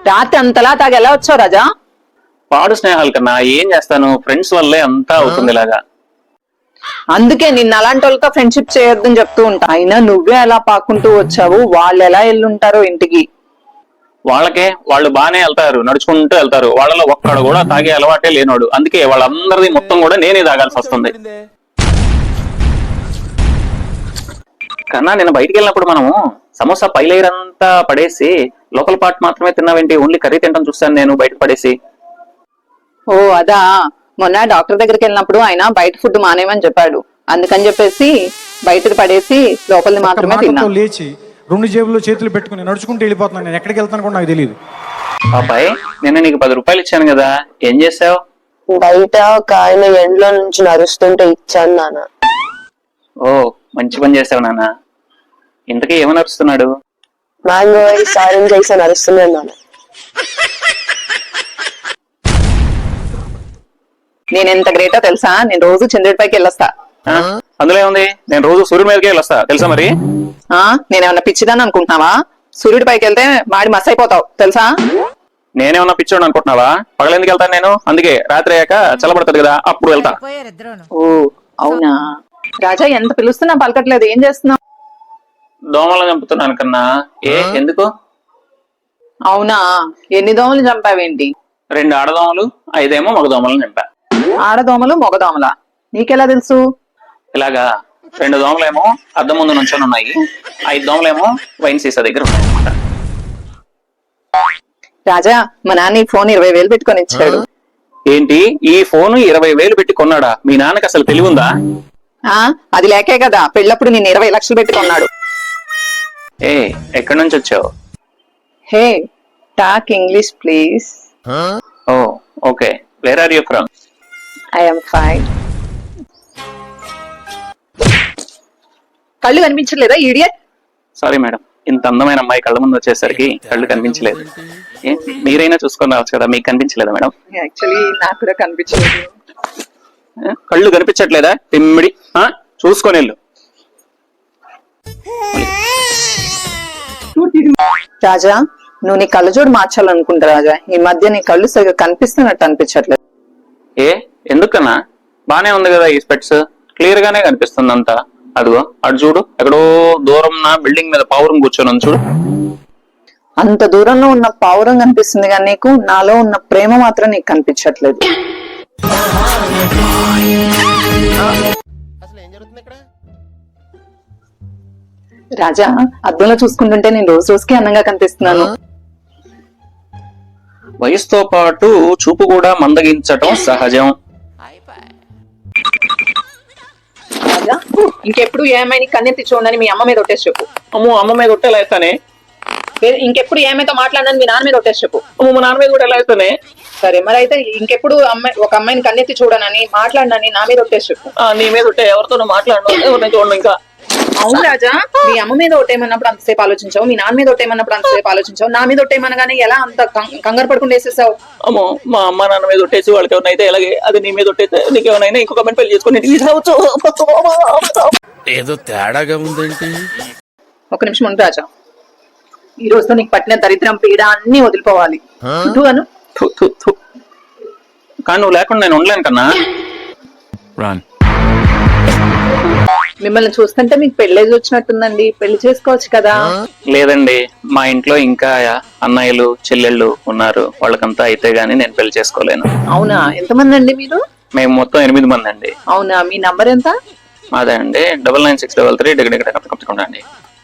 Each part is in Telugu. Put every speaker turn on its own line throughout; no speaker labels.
రాత్రి అంతలా తాగి ఎలా వచ్చావు రాజా?
పాడు స్నేహాల కన్నా ఏం చేస్తాను, ఫ్రెండ్స్ వల్లే అంతా అవుతుంది ఇలాగా.
అందుకే నిన్న అలాంటి వాళ్ళతో ఫ్రెండ్షిప్ చేయొద్దని చెప్తూ ఉంటా. అయినా నువ్వే అలా పాకుంటూ వచ్చావు, వాళ్ళు ఎలా వెళ్ళుంటారో ఇంటికి.
వాళ్ళకే వాళ్ళు బానే వెళ్తారు, నడుచుకుంటూ వెళ్తారు. వాళ్ళలో ఒక్కడు కూడా తాగే అలవాటే లేనోడు. అందుకే వాళ్ళందరిది మొత్తం కూడా నేనే తాగాల్సి వస్తుంది. కన్నా నేను బయటికి వెళ్ళినప్పుడు మనము సమోసా పై లేయర్ అంతా పడేసి లోకల్ పార్ట్ మాత్రమే తిన్నావేంటి? ఓన్లీ కర్రీ తింటాం చూస్తాను నేను బయట పడేసి.
ఓ అదా, మొన్న డాక్టర్ దగ్గరికి వెళ్ళినప్పుడు ఆయన బయట ఫుడ్ మానేమని చెప్పాడు. అందుకని చెప్పేసి బయటకు పడేసి లోపలిది మాత్రమే తిన్నా.
లేచి 2 జేబుల్లో చేతులు పెట్టుకుని నడుచుకుంటూ వెళ్ళిపోతున్నాను. నేను ఎక్కడికి వెళ్తాను కూడా నాకు తెలియదు.
పాపాయ్, నిన్న నీకు 10 రూపాయలు ఇచ్చాను కదా, ఏం చేసావు?
బయట ఒక ఆయన ఎండ్లో నుంచి నడుస్తుంటే ఇచ్చాను నాన్న.
ఓ మంచి పని చేసావు నాన్న. ఇంతకీ ఏమని నడుస్తున్నాడు?
మ్యాంగో సాయం చేసి నడుస్తున్నాను నాన్న.
నేను ఎంత గ్రేటో తెలుసా? నేను రోజు చంద్రుడిపైకి వెళ్ళొస్తా.
అందులో ఏముంది, నేను రోజు సూర్యుడి మీదకే వెళ్ళొస్తా తెలుసా మరి.
నేనేమన్నా పిచ్చిదాన్ని అనుకుంటున్నావా? సూర్యుడి పైకి వెళ్తే మాడి మస్ అయిపోతావు తెలుసా?
నేనేమన్నా పిచ్చోడు అనుకుంటున్నావా? పగలెందుకు వెళ్తాను నేను? అందుకే రాత్రి అయ్యాక చల్లబడుతుంది కదా, అప్పుడు వెళ్తా.
ఓ అవునా రాజా, ఎంత పిలుస్తున్నా పలకట్లేదు, ఏం చేస్తున్నావు?
దోమలు చంపుతున్నాను కన్నా. ఎందుకు?
అవునా, ఎన్ని దోమలు చంపావేంటి?
2 ఆడదోమలు, 5 మగదోమలను చంపా.
ఆడదోమలు మగదోమలా? నీకెలా తెలుసు?
ఇలాగా 2 దోమలేమో అద్దం ముందు నుంచొని ఉన్నాయి, 5 దోమలేమో వైన్ సీసా దగ్గర ఉన్నాయి అన్నమాట.
రాజా, మా నాన్న ఈ ఫోన్ 20,000 పెట్టుకొని ఇచ్చాడు.
ఏంటి, ఈ ఫోన్ 20,000 పెట్టి కొన్నాడా? మీ నాన్నకి అసలు తెలివి ఉందా?
అది లేకే కదా పెళ్ళప్పుడు నేను 20 లక్షలు పెట్టి కొన్నాడు.
ఎక్కడి నుంచి వచ్చావు?
Hey, talk English please.
Oh okay, where are you from?
I am fine. కళ్ళు కనిపించలేదా ఈడియట్?
సారీ మేడం, ఇంత అందమైన అమ్మాయి కళ్ళ ముందు వచ్చేసరికి కళ్ళు కనిపించలేదు. మీరైనా చూసుకొని రావచ్చు కదా, మీకు కనిపించలేదా మేడం?
యాక్చువల్లీ నాకు కూడా కనిపించలేదు.
కళ్ళు కనిపించట్లేదా? తిమ్మిడి చూసుకొని వెళ్ళు.
రాజా, నువ్వు నీ కళ్ళజోడు మార్చాలనుకుంటా రాజా. ఈ మధ్య నీ కళ్ళు సరిగా కనిపిస్తున్నట్టు అనిపించట్లేదు.
ఎందుకన్నా? బానే ఉంది కదా, ఈ స్పెట్స్ క్లియర్ గానే కనిపిస్తుంది అంతా. అదిగో అటు చూడు, ఎక్కడో దూరం నా బిల్డింగ్ మీద పావురం కూర్చొని ఉంది చూడు.
అంత దూరంలో ఉన్న పావురం కనిపిస్తుంది కానీ నీకు నాలో ఉన్న ప్రేమ మాత్రం నీకు కనిపించట్లేదు. రాజా, అద్దంలో చూసుకుంటుంటే నేను రోజు రోజుకి అందంగా కనిపిస్తున్నాను.
వయసుతో పాటు చూపు కూడా మందగించటం సహజం.
రాజా, ఇంకెప్పుడు ఏమైనా కన్నెత్తి చూడని మీ అమ్మ మీద ఒట్టేసి చెప్పు.
అమ్మో, అమ్మ మీద ఒట్టేలా వేస్తానే.
ఇంకెప్పుడు ఏమైతే మాట్లాడనని మీ నాన్న మీద ఒట్టేసి చెప్పు.
అమ్మో, మా నాన్న మీద కూడా ఎలా వేస్తానే.
సరే మరి అయితే ఇంకెప్పుడు ఒక అమ్మాయిని కన్నెత్తి చూడనని మాట్లాడనని నా మీద ఒట్టేసి చెప్పు.
నీ మీద ఉంటే ఎవరితోనూ మాట్లాడను, ఎవరిని చూడను ఇంకా.
అవును రాజా, మీ అమ్మ మీద ఒట్టేమన్నప్పుడు అంతసేపు ఆలోచించావు, మీ నాన్న మీద ఒట్టేమన్నప్పుడు అంతసేపు ఆలోచించావు, నా మీద ఒట్టేమనగానే ఎలా అంత కంగారు పడుకుంటూ వేసేసావు?
అమ్మో, మా అమ్మ నాన్న మీద ఒట్టేసి వాళ్ళకి ఎవరైనా అయితే ఎలాగే, అది నీ మీద ఒట్టేస్తే నీకు ఎవరైనా ఇంకొక అమ్మాయిని పెళ్లి చేసుకుని
ఏదో తేడాగా ఉందేంటి?
ఒక నిమిషం ఉండు రాజా, ఈ రోజుతో నీకు పట్టిన దరిద్రం పీడ అన్ని వదిలిపోవాలి.
కానీ నువ్వు లేకుండా నేను ఉండలేను కన్నా.
మిమ్మల్ని చూస్తుంటే మీకు పెళ్ళేజ్ వచ్చినట్టుందండి, పెళ్లి చేసుకోవచ్చు కదా?
లేదండి, మా ఇంట్లో ఇంకా అన్నయ్యలు చెల్లెళ్ళు ఉన్నారు, వాళ్ళకంతా అయితే గానీ నేను పెళ్లి చేసుకోలేను.
అవునా, ఎంతమంది అండి మీరు?
మేము మొత్తం 8 మంది అండి.
అవునా, మీ నంబర్ ఎంత?
అదే అండి, 999633 అండి.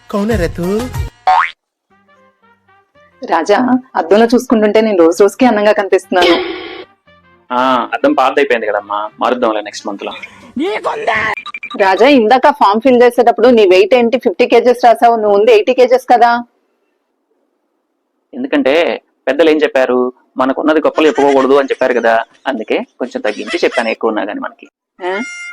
రాజా, అద్దంలో చూసుకుంటుంటే నేను రోజు రోజుకి అందంగా కనిపిస్తున్నాను.
అద్దం పాత అయిపోయింది కదమ్మా, మారుద్దాంలే నెక్స్ట్ మంత్ లో.
రాజా, ఇందాక ఫామ్ ఫిల్ చేసేటప్పుడు నీ వెయిట్ ఏంటి 50 kgs రాసావు, నువ్వు ఉంది 80 kgs కదా?
ఎందుకంటే పెద్దలు ఏం చెప్పారు, మనకున్నది గొప్పలు చెప్పుకోకూడదు అని చెప్పారు కదా, అందుకే కొంచెం తగ్గించి చెప్పాను, ఎక్కువ ఉన్నా గానీ మనకి.